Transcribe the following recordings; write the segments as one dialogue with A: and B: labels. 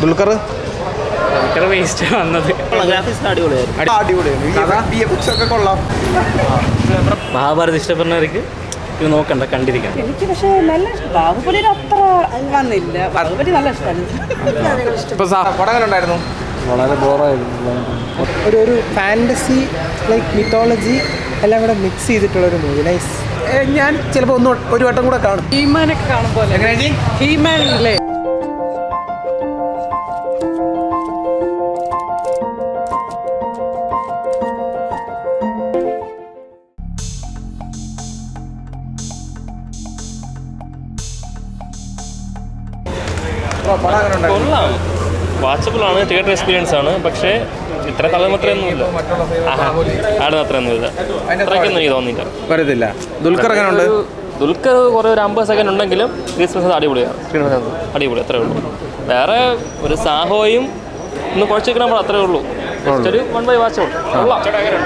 A: Dulquer
B: waste വന്നത്.
C: മഹാഭാരത് ഇഷ്ടപ്പെടുന്നവർക്ക് ഇത് നോക്കണ്ട, കണ്ടിരിക്കണം.
D: എനിക്ക് പക്ഷേ നല്ല ബാഹുബലി അത്ര വന്നില്ല. ബാഹുബലി നല്ല ഇഷ്ടമാണ്.
A: പടം ഉണ്ടായിരുന്നു.
E: വളരെ ബോറായിരുന്നു. ഒരു ഫാൻറ്റസി ലൈക്ക് മിത്തോളജി എല്ലാം കൂടെ മിക്സ് ചെയ്തിട്ടുള്ളൊരു മൂവി. നൈസ്. ഞാൻ ചിലപ്പോൾ ഒരു വട്ടം കൂടെ കാണും.
D: ഹീമാനൊക്കെ കാണുമ്പോൾ ഹീമാൻ അല്ലേ?
F: കൊള്ളാം, വാച്ചബിളാണ്, തിയേറ്റർ എക്സ്പീരിയൻസ് ആണ്. പക്ഷേ ഇത്ര തലമത്രയൊന്നുമില്ല, ആടുന്ന അത്രയൊന്നുമില്ല, അത്രയ്ക്കൊന്നും എനിക്ക് തോന്നിയില്ല.
A: വരത്തില്ല. ദുൽഖർ എങ്ങനെയുണ്ട്?
F: ദുൽഖർ കുറേ ഒരു 50 സെക്കൻഡ് ഉണ്ടെങ്കിലും ക്രിസ്മസ് അടിപൊളിയാണ്. അടിപൊളി, അത്രേ ഉള്ളൂ. വേറെ ഒരു സാഹോയും ഒന്ന് കുഴച്ചിരിക്കണം, അത്രേ ഉള്ളൂ. ഒരു 1 ബൈ വാച്ചബിൾ. കൊള്ളാം.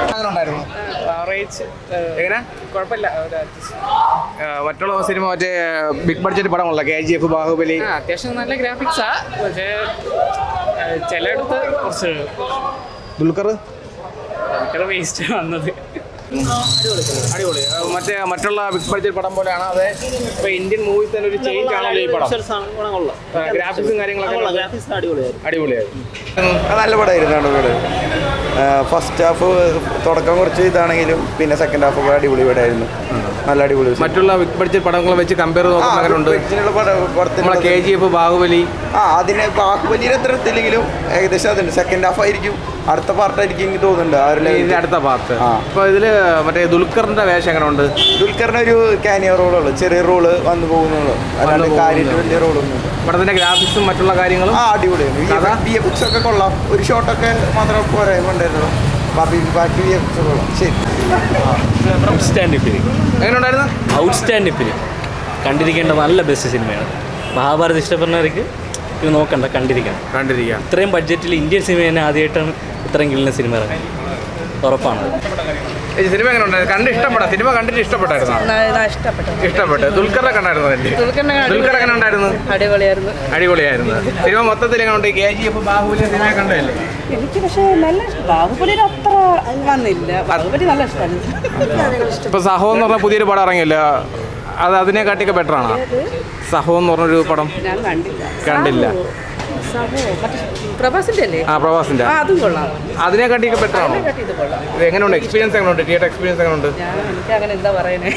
A: മറ്റുള്ള സിനിമ മറ്റേ ബിഗ് ബഡ്ജറ്റ് പടമുള്ള KGF, ബാഹുബലി
B: അത്യാവശ്യം നല്ല ഗ്രാഫിക്സാ, പക്ഷേ ചിലയിടത്ത് കുറച്ച്
A: ദുൽഖർ
B: വേസ്റ്റ് വന്നത്.
A: അടിപൊളി. മറ്റുള്ള ബിഗ് ബഡ്ജറ്റ് പടം പോലെയാണ്. അതെ, ഇപ്പൊ ഇന്ത്യൻ മൂവീസ് തന്നെ ഒരു ചേഞ്ച് ആണല്ലോ ഈ പടം. ഗ്രാഫിക്സും കാര്യങ്ങളൊക്കെ അടിപൊളിയായിരുന്നു.
G: നല്ല പടമായിരുന്നു. ഫസ്റ്റ് ഹാഫ് തുടക്കം കുറച്ച് ഇതാണെങ്കിലും പിന്നെ സെക്കൻഡ് ഹാഫ് ഒക്കെ അടിപൊളി പടമായിരുന്നു. നല്ല അടിപൊളി.
A: മറ്റുള്ള ബിഗ് ബഡ്ജറ്റ് പടങ്ങളെ വെച്ച് കമ്പയർ നോക്കുന്നുണ്ട്. KGF, ബാഹുബലി
G: അതിന് ബാഹുബലിയുടെ അത്ര എത്തില്ലെങ്കിലും ഏകദേശം അതുണ്ട്. സെക്കൻഡ് ഹാഫ് ആയിരിക്കും, അടുത്ത പാർട്ടായിരിക്കും എനിക്ക് തോന്നുന്നുണ്ട്.
A: അടുത്ത പാർട്ട്. അപ്പൊ ഇതില് മറ്റേ ദുൽഖറിന്റെ വേഷം എങ്ങനെ ഉണ്ട്?
G: ദുൽഖറിന് ഒരു കാനിയോ റോളുള്ളൂ, ചെറിയ റോള് വന്നു പോകുന്നുള്ളൂ, അല്ലാണ്ട് കാര്യമായിട്ട് വലിയ റോളൊന്നും.
A: പടത്തിന്റെ ഗ്രാഫിക്സും മറ്റുള്ള കാര്യങ്ങളും
G: അടിപൊളിയാണ്. VFX ഒക്കെ കൊള്ളാം. ഒരു ഷോട്ടൊക്കെ മാത്രം പോരാ കൊണ്ടായിരുന്നു. ബാക്കി VFX കൊള്ളാം. ശരി.
C: Outstanding film.
A: എങ്ങനെയുണ്ടായിരുന്നു?
C: ഔട്ട്സ്റ്റാൻഡിംഗ് ഫിലിം, കണ്ടിരിക്കേണ്ട നല്ല ബെസ്റ്റ് സിനിമയാണ്. മഹാഭാരത് ഇഷ്ടപ്പെടുന്നവർക്ക് ഇത് നോക്കണ്ട, കണ്ടിരിക്കണം. ഇത്രയും ബഡ്ജറ്റിൽ ഇന്ത്യൻ സിനിമ തന്നെ ആദ്യമായിട്ടാണ് ഇത്രയും കിളിന സിനിമ ഇറങ്ങി. ഉറപ്പാണ്.
A: സിനിമ എങ്ങനെ ഉണ്ടായിരുന്നു? സിനിമ കണ്ടിട്ട് ഇഷ്ടപ്പെട്ടായിരുന്നു? ഇഷ്ടപ്പെട്ടു. ദുൽഖറിനെ കണ്ടായിരുന്നു? ദുൽഖർ എങ്ങനെ ഉണ്ടായിരുന്നു? അടിപൊളിയായിരുന്നു. സിനിമ മൊത്തത്തിൽ എങ്ങനെ ഉണ്ട്? KGF, ബാഹുബലി സിനിമ കണ്ടല്ലേ?
D: എനിക്ക് പക്ഷേ നല്ല ബാഹുബലി അത്ര വന്നില്ല. ബാഹുബലി നല്ല ഇഷ്ടമാണ്.
A: ഇപ്പൊ സഹോ എന്ന് പറഞ്ഞ പുതിയൊരു പടം ഇറങ്ങിയല്ലോ, അത് അതിനെക്കാട്ടിയൊക്കെ ബെറ്റർ ആണോ? സഹോ എന്ന് പറഞ്ഞൊരു പടം
D: ഞാൻ
A: കണ്ടില്ല.
D: പ്രഭാസിന്റെ അതും കൊള്ളാം.
A: അതിനെക്കാട്ടിയൊക്കെ ബെറ്റർ ആണോ? ഇത് എങ്ങനെയുണ്ട്? എക്സ്പീരിയൻസ് എങ്ങനെയുണ്ട്? തിയേറ്റർ എക്സ്പീരിയൻസ് എങ്ങനെയുണ്ട്?
D: എനിക്ക് അങ്ങനെ എന്താ പറയുന്നത്.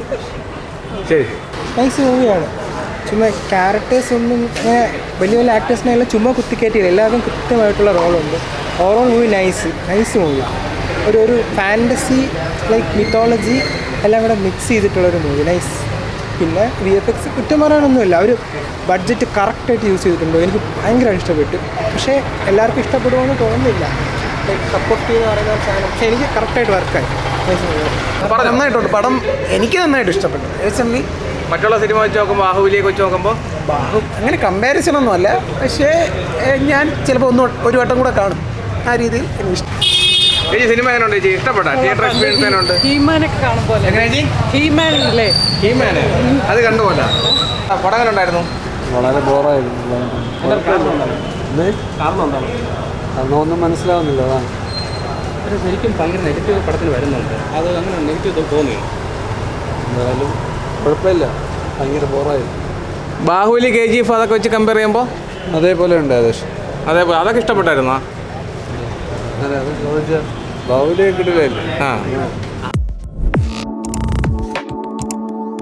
A: ശരി.
E: നൈസ് മൂവിയാണ്. ചുമ്മാ ക്യാരക്ടേഴ്സ് ഒന്നും വലിയ വലിയ ആക്ടേഴ്സിനെല്ലാം ചുമ്മാ കുത്തിക്കയറ്റിയില്ല. എല്ലാവർക്കും കൃത്യമായിട്ടുള്ള റോളുണ്ട്. Overall movie nice movie. ഒരു ഫാൻറ്റസി ലൈക്ക് മിത്തോളജി എല്ലാം കൂടെ മിക്സ് ചെയ്തിട്ടുള്ളൊരു മൂവി. നൈസ്. പിന്നെ VFX കുറ്റം പറയാനൊന്നുമില്ല. അവർ ബഡ്ജറ്റ് കറക്റ്റായിട്ട് യൂസ് ചെയ്തിട്ടുണ്ട്. എനിക്ക് ഭയങ്കരമായിട്ട് ഇഷ്ടപ്പെട്ടു. പക്ഷേ എല്ലാവർക്കും ഇഷ്ടപ്പെടുമെന്ന് തോന്നുന്നില്ല. സപ്പോർട്ട് ചെയ്ത് പറയുന്ന ചാനൽ, പക്ഷേ എനിക്ക് കറക്റ്റായിട്ട് വർക്കായി.
G: നന്നായിട്ടുണ്ട് പടം. എനിക്ക് നന്നായിട്ട് ഇഷ്ടപ്പെട്ടു.
A: മറ്റുള്ള സിനിമ വെച്ച് നോക്കുമ്പോൾ, ബാഹുബലിയൊക്കെ വെച്ച് നോക്കുമ്പോൾ
G: അങ്ങനെ കമ്പാരിസൺ ഒന്നും അല്ല. പക്ഷേ ഞാൻ ചിലപ്പോൾ ഒരു വട്ടം കൂടെ കാണും. ആ രീതിയിൽ എനിക്ക് ഇഷ്ടം.
A: ഈ സിനിമ എങ്ങനെയുണ്ട് ചേച്ചി? ഇഷ്ടപ്പെട്ടാ? തിയേറ്റർ എക്സ്പീരിയൻസ് എങ്ങനെയുണ്ട്?
D: ഹീമാനൊക്കെ കാണുമ്പോൾ ഹീമാൻ അല്ലേ?
A: ഹീമാന് അത് കണ്ടുപോലെ. പടം എങ്ങനെ ഉണ്ടായിരുന്നു?
E: വളരെ ബോറായിരുന്നു. അതൊന്നും മനസ്സിലാവുന്നില്ല. അതാണ്
B: ശരിക്കും ഭയങ്കര നെഗറ്റീവ് പടത്തിന് വരുന്നുണ്ട്. അത് അങ്ങനെ നെഗറ്റീവ് തോന്നി.
E: എന്തായാലും കുഴപ്പമില്ല, ഭയങ്കര ബോറായിരുന്നു.
A: ബാഹുബലി, KGF അതൊക്കെ വെച്ച് കമ്പയർ ചെയ്യുമ്പോൾ
E: അതേപോലെ ഉണ്ട് ഏകദേശം.
A: അതേപോലെ അതൊക്കെ ഇഷ്ടപ്പെട്ടായിരുന്നോ?
E: അതെ, അത് ചോദിച്ചാൽ ബാഹുബലിയെ കിട്ടില്ലല്ലേ.